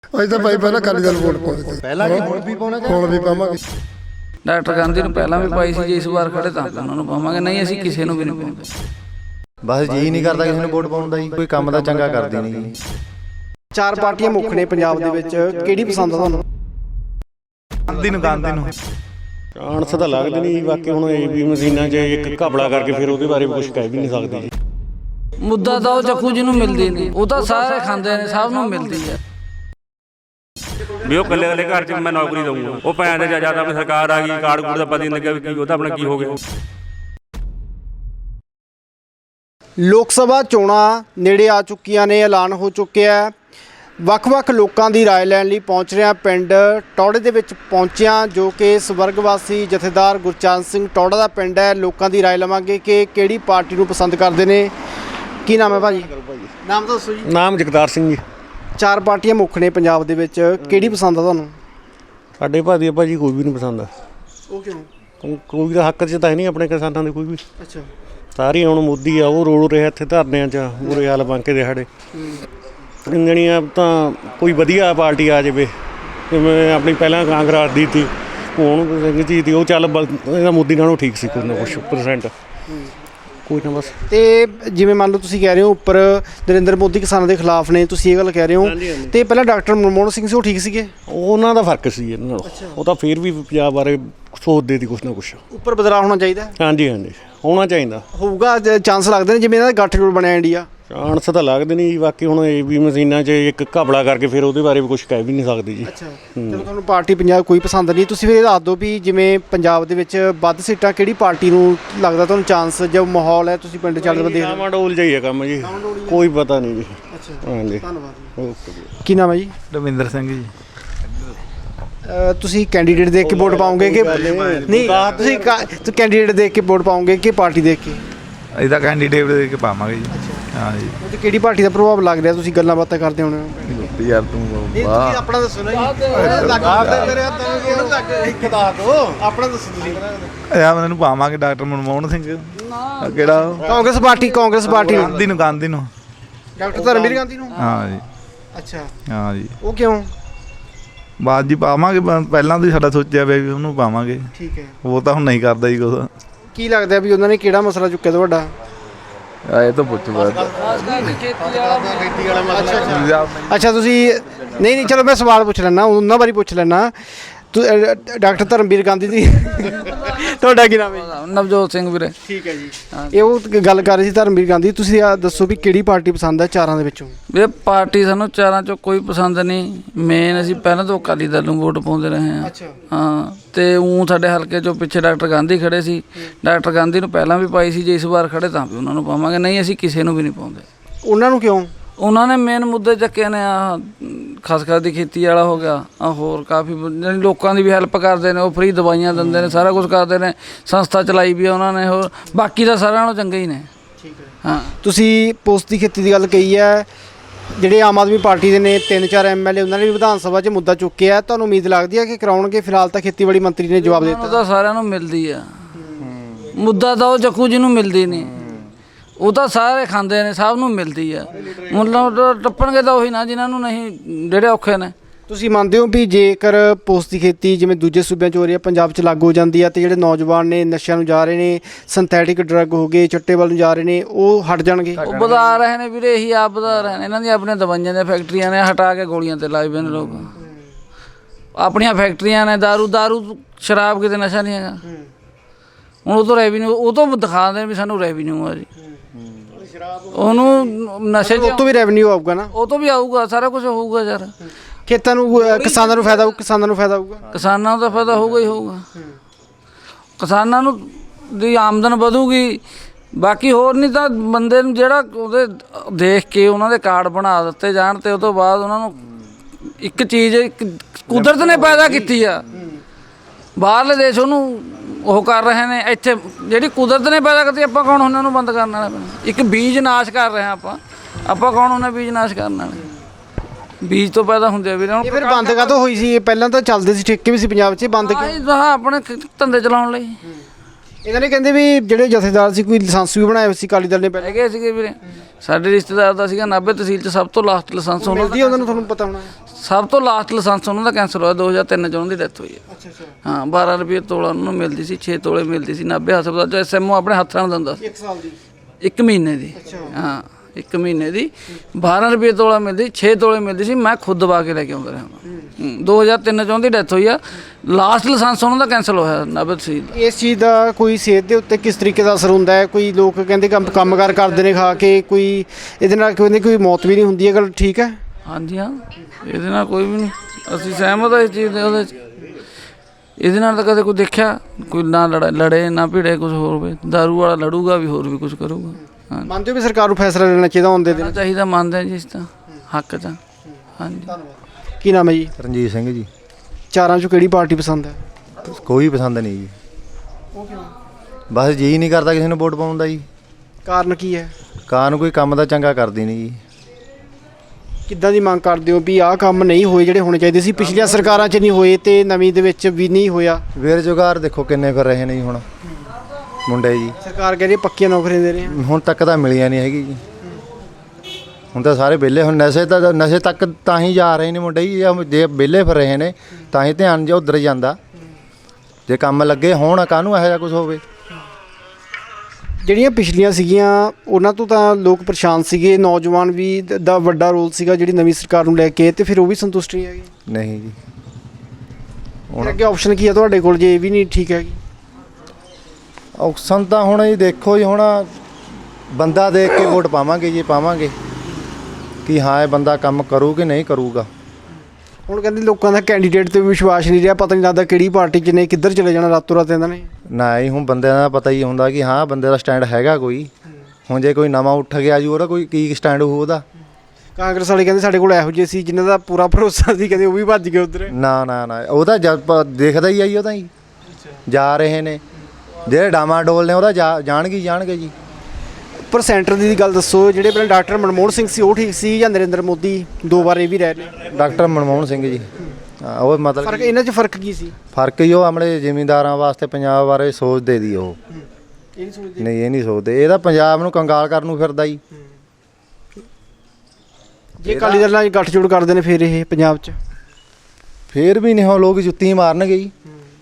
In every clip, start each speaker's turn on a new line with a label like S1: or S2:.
S1: ਅਸੀਂ ਤਾਂ ਭਾਈ ਪਹਿਲਾਂ ਅਕਾਲੀ ਦਲ ਵੋਟ ਪਾਉਂਦੇ ਸੀ,
S2: ਪਹਿਲਾਂ ਕੀ ਹੁਣ ਵੀ ਪਾਉਣਾ
S1: ਹੁਣ ਵੀ ਪਾਵਾਂਗੇ।
S3: ਡਾਕਟਰ ਗਾਂਧੀ ਨੂੰ ਪਹਿਲਾਂ ਵੀ ਪਾਈ ਸੀ, ਜੇ ਇਸ ਵਾਰ ਖੜੇ ਤਾਂ ਉਹਨਾਂ ਨੂੰ ਪਾਵਾਂਗੇ, ਨਹੀਂ ਅਸੀਂ ਕਿਸੇ ਨੂੰ ਵੀ ਨਹੀਂ ਪਾਉਂਦੇ।
S2: ਬਸ ਜੀ ਨਹੀਂ ਕਰਦਾ ਕਿਸੇ ਨੂੰ ਵੋਟ ਪਾਉਣ ਦਾ ਜੀ, ਕੋਈ ਕੰਮ ਦਾ ਚੰਗਾ ਕਰਦੀ ਨਹੀਂ ਜੀ।
S4: ਚਾਰ ਪਾਰਟੀਆਂ ਮੁੱਖ ਨੇ ਪੰਜਾਬ ਦੇ ਵਿੱਚ, ਕਿਹੜੀ ਪਸੰਦ ਆ ਤੁਹਾਨੂੰ?
S5: ਗਾਂਧੀ ਨੂੰ
S6: ਚਾਂਸ ਤਾਂ ਲੱਗਦੇ ਨਹੀਂ। ਬਾਕੀ ਹੁਣ ਇਹ ਵੀ ਮਸ਼ੀਨਾਂ 'ਚ ਇੱਕ ਘਪਲਾ ਕਰਕੇ ਫਿਰ ਉਹਦੇ ਬਾਰੇ ਕੁਝ ਕਹਿ ਵੀ ਨਹੀਂ ਸਕਦੇ ਜੀ।
S3: ਮੁੱਦਾ ਤਾਂ ਉਹ ਚੱਕੂ ਜੀ ਨੂੰ ਮਿਲਦੀ ਨਹੀਂ, ਉਹ ਤਾਂ ਸਾਰੇ ਖਾਂਦੇ ਨੇ, ਸਭ ਨੂੰ ਮਿਲਦੀ ਹੈ।
S7: ਵੀ ਉਹ ਇਕੱਲੇ ਇਕੱਲੇ ਘਰ 'ਚ ਮੈਂ ਨੌਕਰੀ ਦਊਂਗਾ, ਉਹ ਭੈਣ ਦੇ ਜਦ ਆਪਣੀ ਸਰਕਾਰ ਆ ਗਈ, ਕਾਰਡ ਕੂੜ ਦਾ ਪਤਾ ਨਹੀਂ ਲੱਗਿਆ ਵੀ ਕੀ ਉਹਦਾ ਆਪਣਾ ਕੀ ਹੋ ਗਿਆ।
S4: ਲੋਕ ਸਭਾ ਚੋਣਾਂ ਨੇੜੇ ਆ ਚੁੱਕੀਆਂ ਨੇ, ਐਲਾਨ ਹੋ ਚੁੱਕਿਆ। ਵੱਖ-ਵੱਖ ਲੋਕਾਂ ਦੀ ਰਾਏ ਲੈਣ ਲਈ ਪਹੁੰਚ ਰਿਹਾ ਪਿੰਡ ਟੌੜੇ ਦੇ ਵਿੱਚ ਪਹੁੰਚਿਆ, ਜੋ ਕਿ ਸਵਰਗਵਾਸੀ ਜਥੇਦਾਰ ਗੁਰਚਰਨ ਸਿੰਘ ਟੌੜਾ ਦਾ ਪਿੰਡ ਹੈ। ਲੋਕਾਂ ਦੀ ਰਾਏ ਲਵਾਂਗੇ ਕਿ ਕਿਹੜੀ ਪਾਰਟੀ ਨੂੰ ਪਸੰਦ ਕਰਦੇ ਨੇ। ਕੀ ਨਾਮ ਹੈ ਭਾਜੀ? ਨਾਮ ਤਾਂ ਦੱਸੋ ਜੀ।
S6: ਨਾਮ ਜਗਤਾਰ ਸਿੰਘ ਜੀ।
S4: ਚਾਰ ਪਾਰਟੀਆਂ ਮੁੱਖ ਨੇ ਪੰਜਾਬ ਦੇ ਵਿੱਚ, ਕਿਹੜੀ ਪਸੰਦ ਆ ਤੁਹਾਨੂੰ?
S6: ਸਾਡੇ ਭਾਜੀ ਕੋਈ ਵੀ ਨਹੀਂ ਪਸੰਦ।
S4: ਉਹ ਕਿਉਂ?
S6: ਕੋਈ ਦਾ ਹੱਕ 'ਚ ਤਾਂ ਹੈ ਨਹੀਂ ਆਪਣੇ ਕਿਸਾਨਾਂ ਦੇ ਕੋਈ ਵੀ।
S4: ਅੱਛਾ।
S6: ਸਾਰੇ ਹੁਣ ਮੋਦੀ ਆ, ਉਹ ਰੋਲ ਰਿਹਾ ਇੱਥੇ ਧਰਨਿਆਂ 'ਚ, ਬੁਰੇ ਹਾਲ ਬੰਕੇ ਦੇ ਸਾਡੇ ਇੰਜਣੀਆਂ। ਤਾਂ ਕੋਈ ਵਧੀਆ ਪਾਰਟੀ ਆ ਜਾਵੇ, ਜਿਵੇਂ ਆਪਣੀ ਪਹਿਲਾਂ ਕਾਂਗਰਸ ਦੀ ਸੀ, ਹੁਣ ਸਿੰਘ ਜੀ ਦੀ, ਉਹ ਚੱਲ ਇਹਦਾ ਮੋਦੀ ਨਾਲੋਂ ਠੀਕ ਸੀ ਕੁਝ ਨਾ ਕੁਛ %। ਕੋਈ ਨਾ ਬਸ।
S4: ਤੇ ਜਿਵੇਂ ਮੰਨ ਲਓ ਤੁਸੀਂ ਕਹਿ ਰਹੇ ਹੋ ਉੱਪਰ ਨਰਿੰਦਰ ਮੋਦੀ ਕਿਸਾਨਾਂ ਦੇ ਖਿਲਾਫ ਨੇ, ਤੁਸੀਂ ਇਹ ਗੱਲ ਕਹਿ ਰਹੇ ਹੋ, ਤੇ ਪਹਿਲਾਂ ਡਾਕਟਰ ਮਨਮੋਹਨ ਸਿੰਘ ਸੀ, ਉਹ ਠੀਕ ਸੀਗੇ?
S6: ਉਹਨਾਂ ਦਾ ਫਰਕ ਸੀ ਇਹਨਾਂ ਨਾਲ। ਉਹ ਤਾਂ ਫਿਰ ਵੀ ਪੰਜਾਬ ਬਾਰੇ ਸੋਚਦੇ ਸੀ ਕੁਛ ਨਾ ਕੁਛ।
S4: ਉੱਪਰ ਬਦਲਾਅ ਹੋਣਾ ਚਾਹੀਦਾ।
S6: ਹਾਂਜੀ ਹੋਣਾ ਚਾਹੀਦਾ।
S4: ਹੋਊਗਾ, ਚਾਂਸ ਲੱਗਦੇ ਨੇ ਜਿਵੇਂ ਇਹਨਾਂ ਦਾ ਗੱਠਜੋੜ ਬਣਿਆ ਇੰਡੀਆ?
S6: ਚਾਂਸ ਤਾਂ ਲੱਗਦੇ ਨਹੀਂ। ਬਾਕੀ ਹੁਣ ਇਹ ਵੀ ਮਸ਼ੀਨਾਂ 'ਚ ਇੱਕ ਘਪਲਾ ਕਰਕੇ ਫਿਰ ਉਹਦੇ ਬਾਰੇ ਵੀ ਕੁਝ ਕਹਿ ਵੀ ਨਹੀਂ ਸਕਦੇ ਜੀ।
S4: ਅੱਛਾ, ਚਲੋ ਤੁਹਾਨੂੰ ਪਾਰਟੀ ਪੰਜਾਬ ਕੋਈ ਪਸੰਦ ਨਹੀਂ, ਤੁਸੀਂ ਫਿਰ ਇਹ ਦੱਸ ਦਿਓ ਵੀ ਜਿਵੇਂ ਪੰਜਾਬ ਦੇ ਵਿੱਚ ਵੱਧ ਸੀਟਾਂ ਕਿਹੜੀ ਪਾਰਟੀ ਨੂੰ ਲੱਗਦਾ ਤੁਹਾਨੂੰ ਚਾਂਸ? ਜੋ ਮਾਹੌਲ ਹੈ ਤੁਸੀਂ ਪਿੰਡ ਚੱਲ ਕੇ
S6: ਕਾਮਾ ਡੋਲ ਜਾਈਏ ਕੰਮ ਜੀ, ਕੋਈ ਪਤਾ ਨਹੀਂ ਜੀ।
S4: ਅੱਛਾ,
S6: ਹਾਂਜੀ
S4: ਧੰਨਵਾਦ।
S6: ਓਕੇ ਜੀ।
S4: ਕੀ ਨਾਮ ਹੈ ਜੀ?
S5: ਰਵਿੰਦਰ ਸਿੰਘ ਜੀ।
S4: ਤੁਸੀਂ ਕੈਂਡੀਡੇਟ ਦੇਖ ਕੇ ਵੋਟ ਪਾਓਗੇ ਕਿ ਨਹੀਂ? ਤੁਸੀਂ ਕੈਂਡੀਡੇਟ ਦੇਖ ਕੇ ਵੋਟ ਪਾਓਗੇ ਕਿ ਪਾਰਟੀ ਦੇਖ ਕੇ?
S5: ਅਸੀਂ ਤਾਂ ਕੈਂਡੀਡੇਟ ਦੇ ਕੇ ਪਾਵਾਂਗੇ ਜੀ। ਹਾਂ ਜੀ।
S4: ਉਹ 'ਤੇ ਕਿਹੜੀ ਪਾਰਟੀ ਦਾ ਪ੍ਰਭਾਵ ਲੱਗ ਰਿਹਾ? ਤੁਸੀਂ ਗੱਲਾਂ ਬਾਤਾਂ ਕਰਦੇ ਹੋਣੇ ਹੋ।
S5: ਯਾਰ ਤੂੰ
S4: ਤੁਸੀਂ ਆਪਣਾ ਦੱਸੋ ਨਾ ਜੀ। ਇੱਕ ਦੱਸ ਦਿਓ, ਆਪਣਾ ਦੱਸੋ ਤੁਸੀਂ।
S5: ਯਾਰ ਮੈਨੂੰ ਪਾਵਾਂਗੇ ਡਾਕਟਰ ਮਨਮੋਹਨ ਸਿੰਘ। ਕਿਹੜਾ?
S4: ਕਾਂਗਰਸ ਪਾਰਟੀ ਨੂੰ।
S5: ਗਾਂਧੀ ਨੂੰ।
S4: ਡਾਕਟਰ ਧਰਮਵੀਰ ਗਾਂਧੀ ਨੂੰ?
S5: ਹਾਂ ਜੀ।
S4: ਅੱਛਾ,
S5: ਹਾਂ ਜੀ।
S4: ਉਹ ਕਿਉਂ?
S5: ਬਾਅਦ ਜੀ ਪਾਵਾਂਗੇ, ਪਹਿਲਾਂ ਤੋਂ ਹੀ ਸਾਡਾ ਸੋਚਿਆ ਪਿਆ ਵੀ ਉਹਨੂੰ ਪਾਵਾਂਗੇ।
S4: ਠੀਕ ਹੈ। ਉਹ
S5: ਤਾਂ ਹੁਣ ਨਹੀਂ ਕਰਦਾ ਜੀ ਕੁਛ।
S4: ਕੀ ਲੱਗਦਾ ਵੀ ਉਹਨਾਂ ਨੇ ਕਿਹੜਾ ਮਸਲਾ ਚੁੱਕਿਆ ਤੁਹਾਡਾ?
S5: ਇਹ ਤਾਂ ਪੁੱਛ ਬਾਅਦ।
S4: ਅੱਛਾ, ਤੁਸੀਂ ਨਹੀਂ ਚਲੋ ਮੈਂ ਸਵਾਲ ਪੁੱਛ ਲੈਣਾ, ਉਹਨਾਂ ਬਾਰੇ ਪੁੱਛ ਲੈਣਾ। ਡਾਕਟਰ ਧਰਮਵੀਰ ਗਾਂਧੀ ਦੀ ਤੁਹਾਡਾ ਕੀ ਨਾਮ ਹੈ?
S3: ਨਵਜੋਤ ਸਿੰਘ ਵੀਰੇ।
S4: ਠੀਕ ਹੈ ਜੀ। ਇਹ ਉਹ ਗੱਲ ਕਰ ਰਹੀ ਸੀ ਧਰਮਵੀਰ ਗਾਂਧੀ। ਤੁਸੀਂ ਦੱਸੋ ਵੀ ਕਿਹੜੀ ਪਾਰਟੀ ਪਸੰਦ ਹੈ ਚਾਰਾਂ ਦੇ ਵਿੱਚੋਂ?
S3: ਇਹ ਪਾਰਟੀ ਸਾਨੂੰ ਚਾਰਾਂ ਚੋਂ ਕੋਈ ਪਸੰਦ ਨਹੀਂ। ਮੇਨ ਅਸੀਂ ਪਹਿਲਾਂ ਤੋਂ ਅਕਾਲੀ ਦਲ ਨੂੰ ਵੋਟ ਪਾਉਂਦੇ ਰਹੇ ਹਾਂ।
S4: ਅੱਛਾ।
S3: ਹਾਂ, ਤੇ ਸਾਡੇ ਹਲਕੇ ਚੋਂ ਪਿੱਛੇ ਡਾਕਟਰ ਗਾਂਧੀ ਖੜੇ ਸੀ, ਡਾਕਟਰ ਗਾਂਧੀ ਨੂੰ ਪਹਿਲਾਂ ਵੀ ਪਾਈ ਸੀ, ਜੇ ਇਸ ਵਾਰ ਖੜੇ ਤਾਂ ਵੀ ਉਹਨਾਂ ਨੂੰ ਪਾਵਾਂਗੇ, ਨਹੀਂ ਅਸੀਂ ਕਿਸੇ ਨੂੰ ਵੀ ਨਹੀਂ ਪਾਉਂਦੇ।
S4: ਉਹਨਾਂ ਨੂੰ ਕਿਉਂ?
S3: ਉਹਨਾਂ ਨੇ ਮੇਨ ਮੁੱਦੇ ਚੱਕੇ ਨੇ, ਆਹ ਖਸਖਸ ਦੀ ਖੇਤੀ ਵਾਲਾ ਹੋ ਗਿਆ, ਆਹ ਹੋਰ ਕਾਫੀ ਲੋਕਾਂ ਦੀ ਵੀ ਹੈਲਪ ਕਰਦੇ ਨੇ, ਉਹ ਫ੍ਰੀ ਦਵਾਈਆਂ ਦਿੰਦੇ ਨੇ, ਸਾਰਾ ਕੁਝ ਕਰਦੇ ਨੇ, ਸੰਸਥਾ ਚਲਾਈ ਵੀ ਉਹਨਾਂ ਨੇ। ਹੋਰ ਬਾਕੀ ਤਾਂ ਸਾਰਿਆਂ ਨਾਲੋਂ ਚੰਗੇ ਹੀ ਨੇ।
S4: ਠੀਕ ਹੈ।
S3: ਹਾਂ,
S4: ਤੁਸੀਂ ਪੋਸਟ ਦੀ ਖੇਤੀ ਦੀ ਗੱਲ ਕਹੀ ਹੈ, ਜਿਹੜੇ ਆਮ ਆਦਮੀ ਪਾਰਟੀ ਦੇ ਨੇ 3-4 MLA, ਉਹਨਾਂ ਨੇ ਵੀ ਵਿਧਾਨ ਸਭਾ 'ਚ ਮੁੱਦਾ ਚੁੱਕਿਆ। ਤੁਹਾਨੂੰ ਉਮੀਦ ਲੱਗਦੀ ਹੈ ਕਿ ਕਰਾਉਣਗੇ? ਫਿਲਹਾਲ ਤਾਂ ਖੇਤੀਬਾੜੀ ਮੰਤਰੀ ਨੇ ਜਵਾਬ ਦੇ ਦਿੱਤਾ।
S3: ਤਾਂ ਸਾਰਿਆਂ ਨੂੰ ਮਿਲਦੀ ਆ, ਮੁੱਦਾ ਤਾਂ ਉਹ ਚੱਕੂ ਜੀ ਨੂੰ ਮਿਲਦੀ ਨਹੀਂ, ਉਹ ਤਾਂ ਸਾਰੇ ਖਾਂਦੇ ਨੇ, ਸਭ ਨੂੰ ਮਿਲਦੀ ਆ। ਮਤਲਬ ਟੱਪਣਗੇ ਤਾਂ ਉਹੀ ਨਾ ਜਿਨ੍ਹਾਂ ਨੂੰ ਨਹੀਂ, ਜਿਹੜੇ ਔਖੇ ਨੇ।
S4: ਤੁਸੀਂ ਮੰਨਦੇ ਹੋ ਵੀ ਜੇਕਰ ਪੋਸਟ ਦੀ ਖੇਤੀ ਜਿਵੇਂ ਦੂਜੇ ਸੂਬਿਆਂ 'ਚ ਹੋ ਰਹੀ ਹੈ, ਪੰਜਾਬ 'ਚ ਲਾਗੂ ਹੋ ਜਾਂਦੀ ਹੈ, ਤੇ ਜਿਹੜੇ ਨੌਜਵਾਨ ਨੇ ਨਸ਼ਿਆਂ ਨੂੰ ਜਾ ਰਹੇ ਨੇ, ਸਿੰਥੈਟਿਕ ਡਰੱਗ ਹੋ ਗਏ, ਚਿੱਟੇ ਵੱਲ ਨੂੰ ਜਾ ਰਹੇ ਨੇ, ਉਹ ਹਟ ਜਾਣਗੇ?
S3: ਉਹ ਵਧਾ ਰਹੇ ਨੇ ਵੀਰੇ, ਇਹੀ ਆਪ ਵਧਾ ਰਹੇ ਨੇ। ਇਹਨਾਂ ਦੀਆਂ ਆਪਣੀਆਂ ਦਵਾਈਆਂ ਦੀਆਂ ਫੈਕਟਰੀਆਂ ਨੇ, ਹਟਾ ਕੇ ਗੋਲੀਆਂ ਤੇ ਲਾਏ ਪਏ ਨੇ ਲੋਕ। ਆਪਣੀਆਂ ਫੈਕਟਰੀਆਂ ਨੇ, ਦਾਰੂ ਸ਼ਰਾਬ ਕਿਤੇ ਨਸ਼ਾ ਨਹੀਂ ਹੈਗਾ। ਹੁਣ ਉਹ ਤੋਂ ਰੈਵਨਿਊ, ਉਹ ਤੋਂ ਦਿਖਾ ਦੇ ਵੀ ਸਾਨੂੰ ਰੈਵਨਿਊ ਆ ਜੀ। ਉਹਨੂੰ ਨਸ਼ੇ
S4: ਉਹ ਤੋਂ ਵੀ ਰੈਵਨਿਊ ਆਊਗਾ ਨਾ?
S3: ਉਹ ਤੋਂ ਵੀ ਆਊਗਾ, ਸਾਰਾ ਕੁਝ ਹੋਊਗਾ ਯਾਰ।
S4: ਖੇਤਾਂ ਨੂੰ, ਕਿਸਾਨਾਂ ਨੂੰ ਫਾਇਦਾ ਹੋਊ, ਕਿਸਾਨਾਂ ਨੂੰ ਫਾਇਦਾ ਹੋਊਗਾ।
S3: ਕਿਸਾਨਾਂ ਨੂੰ ਤਾਂ ਫਾਇਦਾ ਹੋਊਗਾ ਹੀ ਹੋਊਗਾ। ਕਿਸਾਨਾਂ ਨੂੰ ਦੀ ਆਮਦਨ ਵਧੂਗੀ। ਬਾਕੀ ਹੋਰ ਨਹੀਂ ਤਾਂ ਬੰਦੇ ਨੂੰ ਜਿਹੜਾ ਉਹਦੇ ਦੇਖ ਕੇ ਉਹਨਾਂ ਦੇ ਕਾਰਡ ਬਣਾ ਦਿੱਤੇ ਜਾਣ, ਤੇ ਉਹ ਤੋਂ ਬਾਅਦ ਉਹਨਾਂ ਨੂੰ ਇੱਕ ਚੀਜ਼ ਕੁਦਰਤ ਨੇ ਪੈਦਾ ਕੀਤੀ ਆ, ਬਾਹਰਲੇ ਦੇਸ਼ ਉਹਨੂੰ ਉਹ ਕਰ ਰਹੇ ਨੇ। ਇੱਥੇ ਜਿਹੜੀ ਕੁਦਰਤ ਨੇ ਪੈਦਾ ਕੀਤੀ, ਆਪਾਂ ਕੌਣ ਉਹਨਾਂ ਨੂੰ ਬੰਦ ਕਰਨ ਵਾਲੇ? ਇੱਕ ਬੀਜ ਨਾਸ਼ ਕਰ ਰਹੇ ਹਾਂ ਆਪਾਂ ਕੌਣ ਉਹਨਾਂ ਬੀਜ ਨਾਸ਼ ਕਰਨ ਵਾਲੇ? ਬੀਜ ਤੋਂ ਪੈਦਾ ਹੁੰਦੇ ਆ ਵੀਰੇ। ਹੁਣ
S4: ਫਿਰ ਬੰਦ ਕਾਹਤੋਂ ਹੋਈ ਸੀ? ਪਹਿਲਾਂ ਤਾਂ ਚੱਲਦੇ ਸੀ, ਠੇਕੇ ਵੀ ਸੀ ਪੰਜਾਬ 'ਚ, ਬੰਦ ਕਿਉਂ?
S3: ਆਪਣੇ ਧੰਦੇ ਚਲਾਉਣ ਲਈ।
S4: ਇਹਨਾਂ ਨੇ ਕਹਿੰਦੇ ਵੀ ਜਿਹੜੇ ਜਥੇਦਾਰ ਸੀ ਕੋਈ ਲਾਇਸੈਂਸ ਵੀ ਬਣਾਇਆ ਹੋਇਆ ਸੀ ਅਕਾਲੀ ਦਲ ਨੇ ਪਹਿਲਾਂ।
S3: ਹੈਗੇ ਸੀਗੇ ਵੀਰੇ, ਸਾਡੇ ਰਿਸ਼ਤੇਦਾਰ ਦਾ ਸੀਗਾ ਨਾਭੇ ਤਹਿਸੀਲ 'ਚ ਸਭ ਤੋਂ ਲਾਸਟ ਲਾਇਸੈਂਸ ਉਹਨਾਂ
S4: ਮਿਲਦੀ ਉਹਨਾਂ ਨੂੰ, ਤੁਹਾਨੂੰ ਪਤਾ ਹੋਣਾ।
S3: ਸਭ ਤੋਂ ਲਾਸਟ ਲਾਇਸੈਂਸ ਉਹਨਾਂ ਦਾ ਕੈਂਸਲ ਹੋਇਆ 2003 'ਚ ਉਹਨਾਂ ਦੀ ਡੈਥ ਹੋਈ ਹੈ।
S4: ਅੱਛਾ ਅੱਛਾ।
S3: ਹਾਂ 12 ਰੁਪਏ ਤੋਲਾ ਉਹਨਾਂ ਨੂੰ ਮਿਲਦੀ ਸੀ, 6 ਤੋਲੇ ਮਿਲਦੀ ਸੀ ਨਾਭੇ ਹਸਪਤਾਲ 'ਚ। SMO ਆਪਣੇ ਹੱਥਾਂ ਨਾਲ ਦਿੰਦਾ ਸੀ
S4: 1 ਸਾਲ ਦੀ
S3: 1 ਮਹੀਨੇ ਦੀ। ਹਾਂ 1 ਮਹੀਨੇ ਦੀ 12 ਰੁਪਏ ਤੋਲਾ ਮਿਲਦੀ, 6 ਤੋਲੇ ਮਿਲਦੀ ਸੀ। ਮੈਂ ਖੁਦ ਦਬਾ ਕੇ ਲੈ ਕੇ ਆਉਂਦਾ ਰਿਹਾ। 2003 'ਚ ਉਹਨਾਂ ਦੀ ਡੈਥ ਹੋਈ ਆ, ਲਾਸਟ ਲਾਇਸੈਂਸ ਉਹਨਾਂ ਦਾ ਕੈਂਸਲ ਹੋਇਆ ਨਾਭੇ ਤਹਿਸੀਲ।
S4: ਇਸ ਚੀਜ਼ ਦਾ ਕੋਈ ਸਿਹਤ ਦੇ ਉੱਤੇ ਕਿਸ ਤਰੀਕੇ ਦਾ ਅਸਰ ਹੁੰਦਾ ਹੈ? ਕੋਈ ਲੋਕ ਕਹਿੰਦੇ ਕੰਮਕਾਰ ਕਰਦੇ ਨੇ ਖਾ ਕੇ, ਕੋਈ ਇਹਦੇ ਨਾਲ ਕਹਿੰਦੇ ਕੋਈ ਮੌਤ ਵੀ ਨਹੀਂ ਹੁੰਦੀ, ਇਹ ਗੱਲ ਠੀਕ ਹੈ?
S3: ਹਾਂਜੀ ਹਾਂ, ਇਹਦੇ ਨਾਲ ਕੋਈ ਵੀ ਨਹੀਂ, ਅਸੀਂ ਸਹਿਮਤ ਹਾਂ ਇਸ ਚੀਜ਼ ਦੇ। ਉਹਦੇ 'ਚ ਇਹਦੇ ਨਾਲ ਤਾਂ ਕਦੇ ਕੋਈ ਦੇਖਿਆ ਕੋਈ ਨਾ ਲੜੇ ਨਾ ਭਿੜੇ ਕੁਝ ਹੋਰ ਹੋਵੇ। ਦਾਰੂ ਵਾਲਾ ਲੜੂਗਾ ਵੀ, ਹੋਰ ਵੀ ਕੁਝ ਕਰੂਗਾ। ਹਾਂ
S4: ਮੰਨਦੇ ਹੋ ਵੀ ਸਰਕਾਰ ਨੂੰ ਫੈਸਲਾ ਲੈਣਾ ਚਾਹੀਦਾ ਹੁੰਦੇ ਦਿਨ?
S3: ਚਾਹੀਦਾ, ਮੰਨਦੇ ਹਾਂ ਜੀ ਇਸ ਤਾਂ ਹੱਕ 'ਚ। ਹਾਂਜੀ।
S4: ਕੀ ਨਾਮ ਹੈ ਜੀ?
S2: ਰਣਜੀਤ ਸਿੰਘ ਜੀ।
S4: ਚਾਰਾਂ 'ਚੋਂ ਕਿਹੜੀ ਪਾਰਟੀ ਪਸੰਦ ਹੈ?
S2: ਕੋਈ ਪਸੰਦ ਨਹੀਂ ਜੀ, ਬਸ ਜੀ ਨਹੀਂ ਕਰਦਾ ਕਿਸੇ ਨੂੰ ਵੋਟ ਪਾਉਣ ਦਾ ਜੀ।
S4: ਕਾਰਨ ਕੀ ਹੈ?
S2: ਕਾਰਨ ਕੋਈ ਕੰਮ ਦਾ ਚੰਗਾ ਕਰਦੀ ਨਹੀਂ ਜੀ।
S4: ਕਿੱਦਾਂ ਦੀ ਮੰਗ ਕਰਦੇ ਹੋ ਵੀ ਆਹ ਕੰਮ ਨਹੀਂ ਹੋਏ ਜਿਹੜੇ ਹੋਣੇ ਚਾਹੀਦੇ ਸੀ? ਪਿਛਲੀਆਂ ਸਰਕਾਰਾਂ 'ਚ ਨਹੀਂ ਹੋਏ ਤੇ ਨਵੀਂ ਦੇ ਵਿੱਚ ਵੀ ਨਹੀਂ ਹੋਇਆ।
S2: ਬੇਰੁਜ਼ਗਾਰ ਦੇਖੋ ਕਿੰਨੇ ਫਿਰ ਰਹੇ ਨੇ ਜੀ ਹੁਣ ਮੁੰਡੇ ਜੀ।
S4: ਸਰਕਾਰ ਕਹਿ ਰਹੀ ਹੈ ਪੱਕੀਆਂ ਨੌਕਰੀਆਂ ਦੇ ਰਹੇ ਹਾਂ।
S2: ਹੁਣ ਤੱਕ ਤਾਂ ਮਿਲੀਆਂ ਨਹੀਂ ਹੈਗੀ ਜੀ। ਹੁਣ ਤਾਂ ਸਾਰੇ ਵਿਹਲੇ, ਹੁਣ ਨਸ਼ੇ ਤੱਕ ਤਾਂ ਹੀ ਜਾ ਰਹੇ ਨੇ ਮੁੰਡੇ ਜੀ। ਜੇ ਵਿਹਲੇ ਫਿਰ ਰਹੇ ਨੇ ਤਾਂ ਹੀ ਧਿਆਨ ਜਿਹਾ ਉੱਧਰ ਜਾਂਦਾ। ਜੇ ਕੰਮ ਲੱਗੇ ਹੋਣ ਕਾਹਨੂੰ ਇਹੋ ਜਿਹਾ ਕੁਝ ਹੋਵੇ।
S4: ਜਿਹੜੀਆਂ ਪਿਛਲੀਆਂ ਸੀਗੀਆਂ ਉਹਨਾਂ ਤੋਂ ਤਾਂ ਲੋਕ ਪਰੇਸ਼ਾਨ ਸੀਗੇ, ਨੌਜਵਾਨ ਵੀ ਦਾ ਵੱਡਾ ਰੋਲ ਸੀਗਾ ਜਿਹੜੀ ਨਵੀਂ ਸਰਕਾਰ ਨੂੰ ਲੈ ਕੇ, ਤੇ ਫਿਰ ਉਹ ਵੀ ਸੰਤੁਸ਼ਟ ਨਹੀਂ ਹੈਗੇ।
S2: ਨਹੀਂ ਜੀ।
S4: ਹੁਣ ਅੱਗੇ ਆਪਸ਼ਨ ਕੀ ਹੈ ਤੁਹਾਡੇ ਕੋਲ ਜੇ ਇਹ ਵੀ ਨਹੀਂ ਠੀਕ ਹੈਗੀ?
S2: ਔਕਸ਼ਨ ਤਾਂ ਹੁਣ ਜੀ ਦੇਖੋ ਜੀ, ਹੁਣ ਬੰਦਾ ਦੇਖ ਕੇ ਵੋਟ ਪਾਵਾਂਗੇ ਜੀ, ਪਾਵਾਂਗੇ ਕਿ ਹਾਂ ਇਹ ਬੰਦਾ ਕੰਮ ਕਰੂ ਕਿ ਨਹੀਂ ਕਰੂਗਾ।
S4: ਹੁਣ ਕਹਿੰਦੇ ਲੋਕਾਂ ਦਾ ਕੈਂਡੀਡੇਟ ਤੇ ਵੀ ਵਿਸ਼ਵਾਸ ਨਹੀਂ ਰਿਹਾ, ਪਤਾ ਨਹੀਂ ਲੱਗਦਾ ਕਿਹੜੀ ਪਾਰਟੀ 'ਚ ਨੇ, ਕਿੱਧਰ ਚਲੇ ਜਾਣਾ ਰਾਤੋਂ ਰਾਤ ਇਹਨਾਂ ਨੇ।
S2: ਨਾ ਹੀ ਹੁਣ ਬੰਦਿਆਂ ਦਾ ਪਤਾ ਹੀ ਹੁੰਦਾ ਕਿ ਹਾਂ ਬੰਦੇ ਦਾ ਸਟੈਂਡ ਹੈਗਾ ਕੋਈ। ਹੁਣ ਜੇ ਕੋਈ ਨਵਾਂ ਉੱਠ ਗਿਆ ਜੀ, ਉਹਦਾ ਕੋਈ ਕੀ ਸਟੈਂਡ ਹੋਊ ਉਹਦਾ।
S4: ਕਾਂਗਰਸ ਵਾਲੇ ਕਹਿੰਦੇ ਸਾਡੇ ਕੋਲ ਇਹੋ ਜਿਹੇ ਸੀ ਜਿਨ੍ਹਾਂ ਦਾ ਪੂਰਾ ਭਰੋਸਾ ਸੀ, ਕਹਿੰਦੇ ਉਹ ਵੀ ਭੱਜ ਗਏ ਉੱਧਰ।
S2: ਨਾ ਨਾ ਨਾ, ਉਹਦਾ ਦੇਖਦਾ ਹੀ ਆਈ, ਉਹ ਤਾਂ ਹੀ ਜਾ ਰਹੇ ਨੇ ਜਿਹੜੇ ਡਾਮਾਡੋਲ ਨੇ, ਉਹਦਾ ਜਾਣਗੇ ਜੀ।
S4: ਪਰ ਸੈਂਟਰ ਦੀ ਗੱਲ ਦੱਸੋ, ਜਿਹੜੇ ਪਹਿਲਾਂ ਡਾਕਟਰ ਮਨਮੋਹਨ ਸਿੰਘ ਸੀ ਉਹ ਠੀਕ ਸੀ ਜਾਂ ਨਰਿੰਦਰ ਮੋਦੀ 2 ਵਾਰ ਇਹ ਵੀ ਰਹੇ ਨੇ?
S2: ਡਾਕਟਰ ਮਨਮੋਹਨ ਸਿੰਘ ਜੀ। ਉਹ ਮਤਲਬ
S4: ਫਰਕ ਇਹਨਾਂ 'ਚ ਫਰਕ ਕੀ ਸੀ?
S2: ਫਰਕ ਹੀ ਉਹ ਆਪਣੇ ਜ਼ਿਮੀਂਦਾਰਾਂ ਵਾਸਤੇ ਪੰਜਾਬ ਬਾਰੇ ਸੋਚਦੇ ਦੀ ਉਹ।
S4: ਇਹ ਨਹੀਂ ਸੋਚਦੇ?
S2: ਨਹੀਂ, ਇਹ ਨਹੀਂ ਸੋਚਦੇ। ਇਹ ਤਾਂ ਪੰਜਾਬ ਨੂੰ ਕੰਗਾਲ ਕਰਨ ਨੂੰ ਫਿਰਦਾ ਜੀ।
S4: ਜੇ ਅਕਾਲੀ ਦਲ ਨਾਲ ਗੱਠਜੋੜ ਕਰਦੇ ਨੇ ਫਿਰ ਇਹ ਪੰਜਾਬ 'ਚ
S2: ਫੇਰ ਵੀ ਨਹੀਂ, ਉਹ ਲੋਕ ਜੁੱਤੀ ਮਾਰਨਗੇ ਜੀ।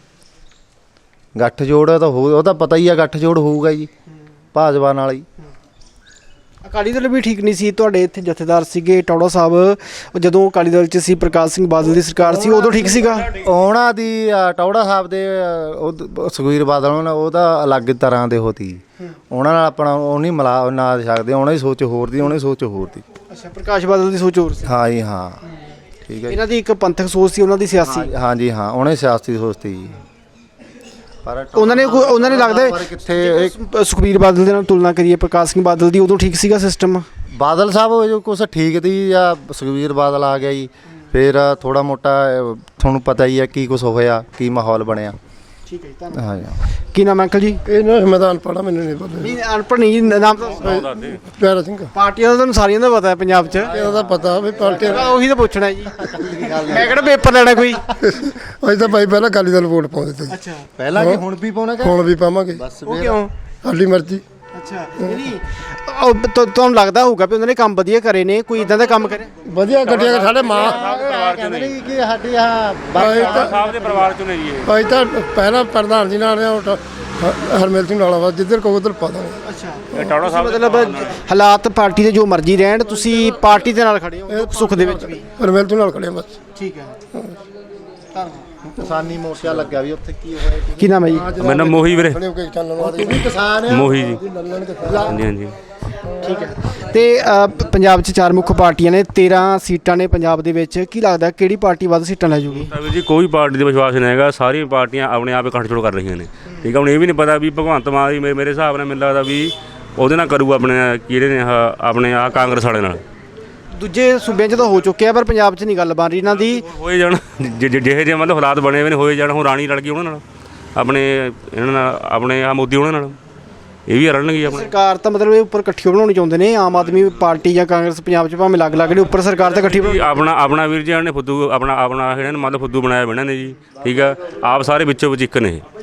S2: ਗੱਠਜੋੜ ਤਾਂ ਉਹ ਤਾਂ ਪਤਾ ਹੀ ਆ, ਗੱਠਜੋੜ ਹੋਊਗਾ ਜੀ ਭਾਜਪਾ ਨਾਲ ਹੀ।
S4: ਅਕਾਲੀ ਦਲ ਵੀ ਠੀਕ ਨਹੀਂ ਸੀ। ਤੁਹਾਡੇ ਇੱਥੇ ਜਥੇਦਾਰ ਸੀਗੇ ਟੌੜਾ ਸਾਹਿਬ, ਜਦੋਂ ਅਕਾਲੀ ਦਲ 'ਚ ਸੀ ਪ੍ਰਕਾਸ਼ ਸਿੰਘ ਬਾਦਲ ਦੀ ਸਰਕਾਰ ਸੀ, ਉਦੋਂ ਠੀਕ ਸੀਗਾ?
S2: ਉਹਨਾਂ ਦੀ ਟੌੜਾ ਸਾਹਿਬ ਦੇ ਸੁਖਬੀਰ ਬਾਦਲ ਉਹ ਤਾਂ ਅਲੱਗ ਤਰ੍ਹਾਂ ਦੇ ਹੋਤੀ। ਉਹਨਾਂ ਨਾਲ ਆਪਣਾ ਉਹ ਨਹੀਂ ਮਿਲਾ ਨਾ ਸਕਦੇ। ਉਹਨਾਂ ਦੀ ਸੋਚ ਹੋਰ ਦੀ, ਉਹਨਾਂ ਦੀ ਸੋਚ ਹੋਰ ਦੀ।
S4: ਅੱਛਾ, ਪ੍ਰਕਾਸ਼ ਬਾਦਲ ਦੀ ਸੋਚ ਹੋਰ ਸੀ।
S2: ਹਾਂ ਜੀ, ਹਾਂ ਠੀਕ ਹੈ।
S4: ਇਹਨਾਂ ਦੀ ਇੱਕ ਪੰਥਕ ਸੋਚ ਸੀ, ਉਹਨਾਂ ਦੀ ਸਿਆਸੀ।
S2: ਹਾਂ ਜੀ, ਹਾਂ ਉਹਨੇ ਸਿਆਸੀ ਸੋਚ ਸੀ ਜੀ। ਪਰ
S4: ਉਹਨਾਂ ਨੇ ਲੱਗਦਾ
S2: ਕਿੱਥੇ
S4: ਸੁਖਬੀਰ ਬਾਦਲ ਦੇ ਨਾਲ ਤੁਲਨਾ ਕਰੀਏ ਪ੍ਰਕਾਸ਼ ਸਿੰਘ ਬਾਦਲ ਦੀ, ਉਦੋਂ ਠੀਕ ਸੀਗਾ ਸਿਸਟਮ?
S2: ਬਾਦਲ ਸਾਹਿਬ ਜੋ ਕੁਛ ਠੀਕ ਤੀ ਜਾਂ ਸੁਖਬੀਰ ਬਾਦਲ ਆ ਗਿਆ ਜੀ, ਫਿਰ ਥੋੜਾ ਮੋਟਾ ਤੁਹਾਨੂੰ ਪਤਾ ਹੀ ਹੈ ਕੀ ਕੁਛ ਹੋਇਆ, ਕੀ ਮਾਹੌਲ ਬਣਿਆ।
S4: ਠੀਕ ਹੈ, ਧੰਨਵਾਦ।
S2: ਹਾਂ ਜੀ।
S4: ਕੀ ਨਾਮ ਅੰਕਲ ਜੀ?
S1: ਇਹ ਨਾ ਮੈਂ ਤਾਂ ਅਨਪੜ੍ਹ, ਮੈਨੂੰ ਨਹੀਂ ਪਤਾ।
S4: ਨਹੀਂ ਅਨਪੜ੍ਹ ਨਹੀਂ, ਨਾਮ ਤਾਂ
S1: ਪਿਆਰਾ ਸਿੰਘ।
S4: ਪਾਰਟੀਆਂ ਦਾ ਤੁਹਾਨੂੰ ਸਾਰੀਆਂ ਦਾ ਪਤਾ ਹੈ ਪੰਜਾਬ 'ਚ?
S1: ਇਹਦਾ ਤਾਂ ਪਤਾ ਵੀ ਪਾਰਟੀ
S4: ਉਹੀ ਤਾਂ ਪੁੱਛਣਾ ਜੀ। ਮੈਂ ਕਿਹੜਾ ਪੇਪਰ ਲੈਣਾ ਕੋਈ?
S1: ਅਸੀਂ ਤਾਂ ਭਾਈ ਪਹਿਲਾਂ ਅਕਾਲੀ ਦਲ ਵੋਟ ਪਾਉਂਦੇ ਤੇ।
S4: ਅੱਛਾ,
S2: ਪਹਿਲਾਂ ਕੀ ਹੁਣ ਵੀ ਪਾਉਣਾ?
S1: ਹੁਣ ਵੀ ਪਾਵਾਂਗੇ।
S4: ਉਹ ਕਿਉਂ?
S1: ਸਾਡੀ ਮਰਜ਼ੀ।
S4: ਅੱਛਾ, ਨਹੀਂ ਤੁਹਾਨੂੰ ਲੱਗਦਾ ਹੋਊਗਾ ਵੀ ਉਹਨਾਂ ਨੇ ਕੰਮ ਵਧੀਆ ਕਰੇ ਨੇ, ਕੋਈ ਇਦਾਂ ਦਾ ਕੰਮ ਕਰੇ
S1: ਵਧੀਆ ਗੱਡੀਆਂ ਸਾਡੇ ਮਾਂ
S2: ਕਹਿੰਦੇ ਨੇ ਕਿ ਸਾਡੀ ਆਹ
S7: ਸਾਹਿਬ ਦੇ ਪਰਿਵਾਰ ਚੋਂ ਨੇ ਜੀ ਇਹ।
S1: ਭਾਈ ਤਾਂ ਪਹਿਲਾਂ ਪ੍ਰਧਾਨ ਜੀ ਨਾਲ ਹਰਮੇਲ ਸਿੰਘ ਨਾਲ ਵਾ, ਜਿੱਧਰ ਕਹੋ ਉੱਧਰ ਪਾ ਦਾਂਗੇ।
S4: ਅੱਛਾ,
S7: ਟੌੜਾ ਸਾਹਿਬ
S4: ਮਤਲਬ ਹਾਲਾਤ ਪਾਰਟੀ ਦੇ ਜੋ ਮਰਜ਼ੀ ਰਹਿਣ, ਤੁਸੀਂ ਪਾਰਟੀ ਦੇ ਨਾਲ ਖੜੇ ਹੋ ਦੁੱਖ ਸੁੱਖ ਦੇ ਵਿੱਚ ਵੀ?
S1: ਹਰਮੇਲ ਸਿੰਘ ਨਾਲ ਖੜੇ ਬਸ।
S4: ਠੀਕ ਹੈ, ਧੰਨਵਾਦ।
S2: ਕਿਸਾਨੀ ਮੋਰਚਾ ਲੱਗਿਆ ਵੀ ਉੱਥੇ ਕੀ ਹੋਇਆ?
S4: ਕੀ ਨਾਮ ਹੈ ਜੀ?
S7: ਮੇਰਾ ਨਾਮ ਮੋਹੀ ਵੀਰੇ।
S2: ਤੂੰ ਵੀ ਕਿਸਾਨ ਹੈ?
S7: ਮੋਹੀ ਜੀ। ਹਾਂਜੀ ਹਾਂਜੀ।
S4: ਠੀਕ ਹੈ। ਤੇ ਪੰਜਾਬ 'ਚ 4 ਮੁੱਖ ਪਾਰਟੀਆਂ ਨੇ, 13 ਸੀਟਾਂ ਨੇ ਪੰਜਾਬ ਦੇ ਵਿੱਚ। ਕੀ ਲੱਗਦਾ ਕਿਹੜੀ ਪਾਰਟੀ ਵੱਧ ਸੀਟਾਂ ਲੈ ਜੂਗੀ?
S7: ਵੀਰ ਜੀ ਕੋਈ ਪਾਰਟੀ ਦੇ ਵਿਸ਼ਵਾਸ ਨਹੀਂ ਹੈਗਾ, ਸਾਰੀਆਂ ਪਾਰਟੀਆਂ ਆਪਣੇ ਆਪ ਇਕੱਠ-ਜੋੜ ਕਰ ਰਹੀਆਂ ਨੇ। ਠੀਕ ਹੈ, ਹੁਣ ਇਹ ਵੀ ਨਹੀਂ ਪਤਾ ਵੀ ਭਗਵੰਤ ਮਾਨ ਜੀ ਮੇਰੇ ਹਿਸਾਬ ਨਾਲ ਮੈਨੂੰ ਲੱਗਦਾ ਵੀ ਉਹਦੇ ਨਾਲ ਕਰੂਗਾ ਆਪਣੇ ਕਿਹੜੇ ਨੇ ਆਪਣੇ ਕਾਂਗਰਸ ਵਾਲੇ ਨਾਲ।
S4: ਦੂਜੇ ਸੂਬਿਆਂ 'ਚ ਤਾਂ ਹੋ ਚੁੱਕਿਆ, ਪਰ ਪੰਜਾਬ 'ਚ ਨਹੀਂ ਗੱਲ ਬਣ ਰਹੀ ਇਹਨਾਂ ਦੀ।
S7: ਹੋਏ ਜਾਣ ਜਿਹੇ ਮਤਲਬ ਹਾਲਾਤ ਬਣੇ ਹੋਏ ਨੇ, ਹੋਏ ਜਾਣ। ਹੁਣ ਰਾਣੀ ਲੜ ਗਈ ਉਹਨਾਂ ਨਾਲ, ਆਪਣੇ ਇਹਨਾਂ ਨਾਲ, ਆਪਣੇ ਮੋਦੀ ਉਹਨਾਂ ਨਾਲ, ਇਹ ਵੀ ਰਲਣਗੇ ਆਪਣੇ।
S4: ਸਰਕਾਰ ਤਾਂ ਮਤਲਬ ਇਹ ਉੱਪਰ ਇਕੱਠੀ ਬਣਾਉਣੀ ਚਾਹੁੰਦੇ ਨੇ, ਆਮ ਆਦਮੀ ਪਾਰਟੀ ਜਾਂ ਕਾਂਗਰਸ ਪੰਜਾਬ 'ਚ ਭਾਵੇਂ ਅਲੱਗ-ਅਲੱਗ ਨੇ, ਉੱਪਰ ਸਰਕਾਰ ਤਾਂ ਇਕੱਠੀ ਬਣਾਉਣੀ।
S7: ਆਪਣਾ ਵੀਰ ਜੀ ਨੇ ਫੁੱਦੂ ਆਪਣਾ ਇਹਨਾਂ ਨੇ ਮਤਲਬ ਫੁੱਦੂ ਬਣਾਇਆ ਇਹਨਾਂ ਨੇ ਜੀ। ਠੀਕ ਆ, ਆਪ ਸਾਰੇ ਵਿੱਚੋਂ ਵਿੱਚ ਇੱਕ ਨੇ ਇਹ।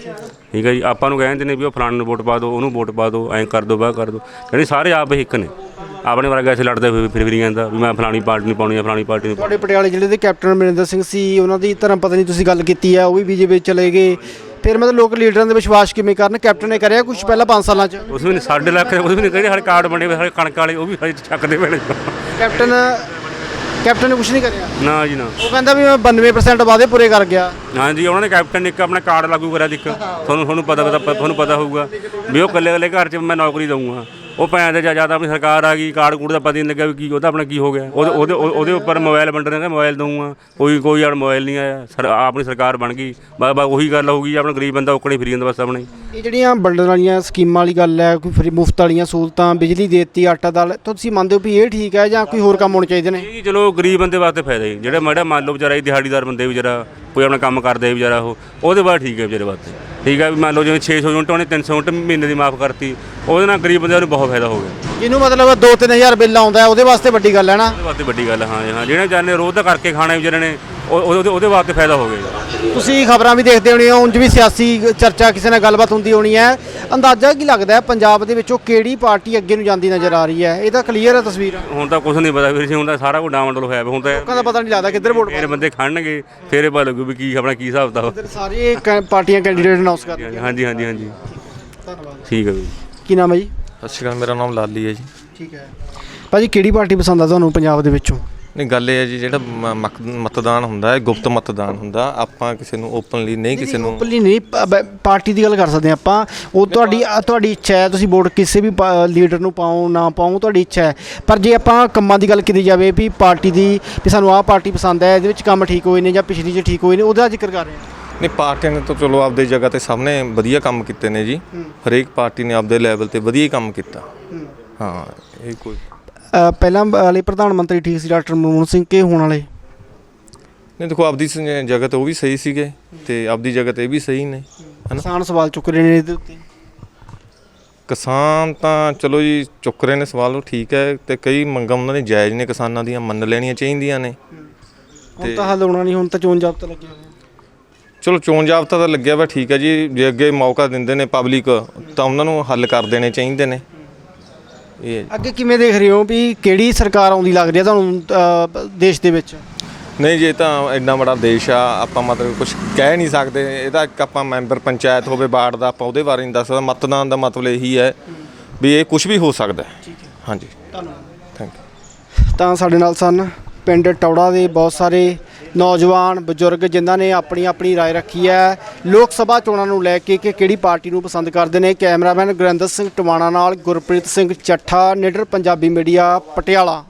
S7: ਠੀਕ ਹੈ ਜੀ। ਆਪਾਂ ਨੂੰ ਕਹਿੰਦੇ ਨੇ ਵੀ ਉਹ ਫਲਾਣੇ ਨੂੰ ਵੋਟ ਪਾ ਦਿਓ, ਉਹਨੂੰ ਵੋਟ ਪਾ ਦਿਓ, ਐਂ ਕਰ ਦਿਓ, ਬਾਹ ਕਰ ਦਿਓ, ਕਹਿੰਦੇ ਸਾਰੇ ਆਪ ਇੱਕ ਨੇ। ਆਪਣੇ ਵਰਗਾ ਇੱਥੇ ਲੜਦੇ ਹੋਏ ਫਿਰ ਜਾਂਦਾ ਵੀ ਮੈਂ ਫਲਾਣੀ ਪਾਰਟੀ ਨਹੀਂ ਪਾਉਣੀ, ਫਲਾਣੀ ਪਾਰਟੀ ਨਹੀਂ।
S4: ਤੁਹਾਡੇ ਪਟਿਆਲੇ ਜ਼ਿਲ੍ਹੇ ਦੇ ਕੈਪਟਨ ਅਮਰਿੰਦਰ ਸਿੰਘ ਸੀ, ਉਹਨਾਂ ਦੀ ਧਰਮ ਪਤਨੀ ਤੁਸੀਂ ਗੱਲ ਕੀਤੀ ਹੈ, ਉਹ ਵੀ ਬੀਜੇਪੀ ਚਲੇ ਗਏ। ਫਿਰ ਮਤਲਬ ਲੋਕ ਲੀਡਰਾਂ ਦੇ ਵਿਸ਼ਵਾਸ ਕਿਵੇਂ ਕਰਨ? ਕੈਪਟਨ ਨੇ ਕਰਿਆ ਕੁਝ ਪਹਿਲਾਂ 5 ਸਾਲਾਂ 'ਚ?
S7: ਉਸ ਵੀ ਨਹੀਂ, 2.5 ਲੱਖ ਉਸ ਵੀ ਨਹੀਂ ਕਹਿੰਦੇ, ਸਾਡੇ ਕਾਰਡ ਬਣੇ ਹੋਏ ਸਾਡੇ ਕਣਕ ਵਾਲੇ, ਉਹ ਵੀ ਸਾਡੇ ਚੱਕਦੇ ਪਏ ਨੇ।
S4: ਕੈਪਟਨ ਨੇ ਕੁਝ ਨਹੀਂ ਕਰਿਆ?
S7: ਨਾ ਜੀ ਨਾ।
S4: ਉਹ ਕਹਿੰਦਾ ਵੀ ਮੈਂ 92% ਵਾਅਦੇ ਪੂਰੇ ਕਰ ਗਿਆ।
S7: ਹਾਂਜੀ, ਉਹਨਾਂ ਨੇ ਕੈਪਟਨ ਨੇ ਇੱਕ ਆਪਣਾ ਕਾਰਡ ਲਾਗੂ ਕਰਿਆ ਇੱਕ, ਤੁਹਾਨੂੰ ਪਤਾ ਹੋਊਗਾ ਵੀ ਉਹ ਇਕੱਲੇ ਘਰ 'ਚ ਮੈਂ ਨੌਕਰੀ ਦਊਂਗਾ। ਉਹ ਭੈਣ ਦੇ ਜਿਆਦਾ ਆਪਣੀ ਸਰਕਾਰ ਆ ਗਈ, ਕਾਰਡ ਕੂੜ ਦਾ ਪਤਾ ਨਹੀਂ ਲੱਗਿਆ ਵੀ ਕੀ ਉਹਦਾ ਆਪਣਾ ਕੀ ਹੋ ਗਿਆ। ਉਹਦੇ ਉੱਪਰ ਮੋਬਾਈਲ ਵੰਡਣੇ ਦਾ ਮੋਬਾਈਲ ਦਊਂਗਾ, ਕੋਈ ਯਾਰ ਮੋਬਾਈਲ ਨਹੀਂ ਆਇਆ। ਆਪਣੀ ਸਰਕਾਰ ਬਣ ਗਈ, ਬਸ ਉਹੀ ਗੱਲ ਹੋਊਗੀ, ਆਪਣਾ ਗਰੀਬ ਬੰਦਾ ਔਕਣੇ ਫਿਰੀ ਜਾਂਦਾ ਬਸ ਆਪਣੇ।
S4: ਇਹ ਜਿਹੜੀਆਂ ਵੰਡਣ ਵਾਲੀਆਂ ਸਕੀਮਾਂ ਵਾਲੀ ਗੱਲ ਹੈ, ਕੋਈ ਫਰੀ ਮੁਫਤ ਵਾਲੀਆਂ ਸਹੂਲਤਾਂ, ਬਿਜਲੀ ਦੇ ਦਿੱਤੀ, ਆਟਾ ਦਾਲ, ਤੁਸੀਂ ਮੰਨਦੇ ਹੋ ਵੀ ਇਹ ਠੀਕ ਹੈ ਜਾਂ ਕੋਈ ਹੋਰ ਕੰਮ ਹੋਣੇ ਚਾਹੀਦੇ ਨੇ?
S7: ਜੀ ਚਲੋ ਗਰੀਬ ਬੰਦੇ ਵਾਸਤੇ ਫਾਇਦਾ ਹੀ, ਜਿਹੜੇ ਮਾੜਾ ਮੰਨ ਲਓ ਵਿਚਾਰਾ ਦਿਹਾੜੀਦਾਰ ਬੰਦੇ ਵਿਚਾਰਾ ਕੋਈ ਆਪਣਾ ਕੰਮ ਕਰਦੇ ਵਿਚਾਰਾ ਉਹਦੇ ਬਾਅਦ ਠੀਕ ਹੈ ਵਿਚਾਰੇ ਵਾਸਤੇ। ਠੀਕ ਹੈ ਵੀ ਮੰਨ ਲਓ ਜਿਵੇਂ 600 ਯੂਨਿਟ ਉਹਨੇ 300 ਯੂਨਿਟ ਮਹੀਨੇ ਦੀ ਮਾਫ ਕਰਤੀ, ਉਹਦੇ ਨਾਲ ਗਰੀਬ ਬੰਦਿਆਂ ਨੂੰ ਬਹੁਤ ਫਾਇਦਾ ਹੋ ਗਿਆ।
S4: ਜਿਹਨੂੰ ਮਤਲਬ 2-3000 ਬਿੱਲ ਆਉਂਦਾ ਹੈ ਉਹਦੇ ਵਾਸਤੇ ਵੱਡੀ ਗੱਲ ਹੈ ਨਾ?
S7: ਉਹਦੇ ਵਾਸਤੇ ਵੱਡੀ ਗੱਲ ਹਾਂ ਜਿਹੜੇ ਵਿਚਾਰੇ ਨੇ ਰੋਜ਼ ਦਾ ਕਰਕੇ ਖਾਣਾ ਵਿਚਾਰੇ ਨੇ ਉਹਦੇ ਵਾਸਤੇ ਫਾਇਦਾ ਹੋ ਗਿਆ।
S4: ਤੁਸੀਂ ਖਬਰਾਂ ਵੀ ਦੇਖਦੇ ਹੋਣੇ ਹੋ, ਉਂਝ ਵੀ ਸਿਆਸੀ ਚਰਚਾ ਕਿਸੇ ਨਾਲ ਗੱਲਬਾਤ ਹੁੰਦੀ ਹੋਣੀ ਹੈ। ਅੰਦਾਜ਼ਾ ਕੀ ਲੱਗਦਾ ਹੈ ਪੰਜਾਬ ਦੇ ਵਿੱਚੋਂ ਕਿਹੜੀ ਪਾਰਟੀ ਅੱਗੇ ਨੂੰ ਜਾਂਦੀ ਨਜ਼ਰ ਆ ਰਹੀ ਹੈ? ਇਹ ਤਾਂ ਕਲੀਅਰ ਹੈ ਤਸਵੀਰ।
S7: ਹੁਣ ਤਾਂ ਕੁਝ ਨਹੀਂ ਪਤਾ ਵੀਰ ਜੀ, ਹੁਣ ਤਾਂ ਸਾਰਾ ਕੁਝ ਡਾਵਾਂਡੋਲ ਹੋਇਆ ਪਿਆ। ਹੁਣ ਤਾਂ
S4: ਲੋਕਾਂ ਦਾ ਪਤਾ ਨਹੀਂ ਲੱਗਦਾ ਕਿੱਧਰ ਵੋਟ
S7: ਫਿਰ ਬੰਦੇ ਖੜਨਗੇ, ਫਿਰ ਇਹ ਪਤਾ ਲੱਗੂ ਵੀ ਕੀ ਆਪਣਾ ਕੀ ਹਿਸਾਬ ਦਾ।
S4: ਸਾਰੇ ਪਾਰਟੀਆਂ ਕੈਂਡੀਡੇਟ ਅਨਾਉਂਸ ਕਰ ਰਹੀਆਂ।
S7: ਹਾਂਜੀ।
S4: ਧੰਨਵਾਦ।
S7: ਠੀਕ ਹੈ ਜੀ।
S4: ਕੀ ਨਾਮ ਹੈ ਜੀ?
S8: ਸਤਿ ਸ਼੍ਰੀ ਅਕਾਲ, ਮੇਰਾ ਨਾਮ ਲਾਲੀ ਹੈ ਜੀ।
S4: ਠੀਕ ਹੈ ਭਾਜੀ, ਕਿਹੜੀ ਪਾਰਟੀ ਪਸੰਦ ਆ ਤੁਹਾਨੂੰ ਪੰਜਾਬ ਦੇ ਵਿੱਚੋਂ?
S8: ਨਹੀਂ, ਗੱਲ ਇਹ ਹੈ ਜੀ, ਜਿਹੜਾ ਮਤਦਾਨ ਹੁੰਦਾ ਹੈ ਗੁਪਤ ਮਤਦਾਨ ਹੁੰਦਾ। ਆਪਾਂ ਕਿਸੇ ਨੂੰ ਓਪਨਲੀ ਨਹੀਂ, ਕਿਸੇ ਨੂੰ
S4: ਓਪਨਲੀ ਨਹੀਂ, ਪਾਰਟੀ ਦੀ ਗੱਲ ਕਰ ਸਕਦੇ ਆਪਾਂ। ਉਹ ਤੁਹਾਡੀ ਇੱਛਾ ਹੈ, ਤੁਸੀਂ ਵੋਟ ਕਿਸੇ ਵੀ ਲੀਡਰ ਨੂੰ ਪਾਓ ਨਾ ਪਾਓ, ਤੁਹਾਡੀ ਇੱਛਾ ਹੈ। ਪਰ ਜੇ ਆਪਾਂ ਕੰਮਾਂ ਦੀ ਗੱਲ ਕੀਤੀ ਜਾਵੇ ਵੀ ਪਾਰਟੀ ਦੀ, ਵੀ ਸਾਨੂੰ ਆਹ ਪਾਰਟੀ ਪਸੰਦ ਹੈ, ਇਹਦੇ ਵਿੱਚ ਕੰਮ ਠੀਕ ਹੋਏ ਨੇ ਜਾਂ ਪਿਛਲੀ 'ਚ ਠੀਕ ਹੋਏ ਨੇ, ਉਹਦਾ ਜ਼ਿਕਰ ਕਰ ਰਹੇ ਹਾਂ।
S8: ਨਹੀਂ, ਪਾਰਟੀਆਂ ਨੇ ਤਾਂ ਚਲੋ ਆਪਦੀ ਜਗ੍ਹਾ 'ਤੇ ਸਭ ਨੇ ਵਧੀਆ ਕੰਮ ਕੀਤੇ ਨੇ ਜੀ। ਹਰੇਕ ਪਾਰਟੀ ਨੇ ਆਪਦੇ ਲੈਵਲ 'ਤੇ ਵਧੀਆ ਹੀ ਕੰਮ ਕੀਤਾ। ਹਾਂ, ਇਹ ਕੋਈ
S4: ਪਹਿਲਾਂ ਵਾਲੇ ਪ੍ਰਧਾਨ ਮੰਤਰੀ ਠੀਕ ਸੀ ਡਾਕਟਰ ਮਨਮੋਹਨ ਸਿੰਘ, ਕੇ ਹੋਣ ਵਾਲੇ?
S8: ਨਹੀਂ, ਦੇਖੋ ਆਪਦੀ ਜਗ੍ਹਾ 'ਤੇ ਉਹ ਵੀ ਸਹੀ ਸੀਗੇ ਅਤੇ ਆਪਦੀ ਜਗ੍ਹਾ 'ਤੇ ਇਹ ਵੀ ਸਹੀ ਨੇ, ਹੈ ਨਾ।
S4: ਕਿਸਾਨ ਸਵਾਲ ਚੁੱਕ ਰਹੇ ਨੇ ਇਹਦੇ ਉੱਤੇ।
S8: ਕਿਸਾਨ ਤਾਂ ਚਲੋ ਜੀ ਚੁੱਕ ਰਹੇ ਨੇ ਸਵਾਲ, ਉਹ ਠੀਕ ਹੈ, ਅਤੇ ਕਈ ਮੰਗਾਂ ਉਹਨਾਂ ਨੇ ਜਾਇਜ਼ ਨੇ, ਕਿਸਾਨਾਂ ਦੀਆਂ ਮੰਨ ਲੈਣੀਆਂ ਚਾਹੀਦੀਆਂ ਨੇ।
S4: ਹੁਣ ਤਾਂ ਹੱਲ ਹੋਣਾ ਨਹੀਂ, ਹੁਣ ਤਾਂ ਚੋਣ ਜ਼ਾਬਤਾ ਲੱਗਿਆ ਹੋਇਆ।
S8: ਚਲੋ ਚੋਣ ਜ਼ਾਬਤਾ ਤਾਂ ਲੱਗਿਆ ਵਾ, ਠੀਕ ਹੈ ਜੀ। ਜੇ ਅੱਗੇ ਮੌਕਾ ਦਿੰਦੇ ਨੇ ਪਬਲਿਕ ਤਾਂ ਉਹਨਾਂ ਨੂੰ ਹੱਲ ਕਰ ਦੇਣੇ ਚਾਹੀਦੇ ਨੇ। ਇਹ
S4: ਅੱਗੇ ਕਿਵੇਂ ਦੇਖ ਰਹੇ ਹੋ ਵੀ ਕਿਹੜੀ ਸਰਕਾਰ ਆਉਂਦੀ ਲੱਗ ਰਹੀ ਹੈ ਤੁਹਾਨੂੰ ਦੇਸ਼ ਦੇ ਵਿੱਚ?
S8: ਨਹੀਂ ਜੀ, ਇਹ ਤਾਂ ਇੰਨਾ ਬੜਾ ਦੇਸ਼ ਆ, ਆਪਾਂ ਮਤਲਬ ਕੁਝ ਕਹਿ ਨਹੀਂ ਸਕਦੇ। ਇਹਦਾ ਇੱਕ ਆਪਾਂ ਮੈਂਬਰ ਪੰਚਾਇਤ ਹੋਵੇ ਵਾਰਡ ਦਾ, ਆਪਾਂ ਉਹਦੇ ਬਾਰੇ ਨਹੀਂ ਦੱਸ ਸਕਦੇ। ਮਤਦਾਨ ਦਾ ਮਤਲਬ ਇਹੀ ਹੈ ਵੀ ਇਹ ਕੁਝ ਵੀ ਹੋ ਸਕਦਾ। ਹਾਂਜੀ,
S4: ਧੰਨਵਾਦ।
S8: Thank you.
S4: ਤਾਂ ਸਾਡੇ ਨਾਲ ਸਨ ਪਿੰਡ ਟੌੜਾ ਦੇ ਬਹੁਤ ਸਾਰੇ ਨੌਜਵਾਨ ਬਜ਼ੁਰਗ ਜਿਨ੍ਹਾਂ ਨੇ ਆਪਣੀ ਆਪਣੀ ਰਾਏ ਰੱਖੀ ਹੈ ਲੋਕ ਸਭਾ ਚੋਣਾਂ ਨੂੰ ਲੈ ਕੇ ਕਿ ਕਿਹੜੀ ਪਾਰਟੀ ਨੂੰ ਪਸੰਦ ਕਰਦੇ ਨੇ। ਕੈਮਰਾਮੈਨ ਗੁਰਿੰਦਰ ਸਿੰਘ ਟਵਾਣਾ ਨਾਲ ਗੁਰਪ੍ਰੀਤ ਸਿੰਘ ਚੱਠਾ, ਨਿਡਰ ਪੰਜਾਬੀ ਮੀਡੀਆ, ਪਟਿਆਲਾ।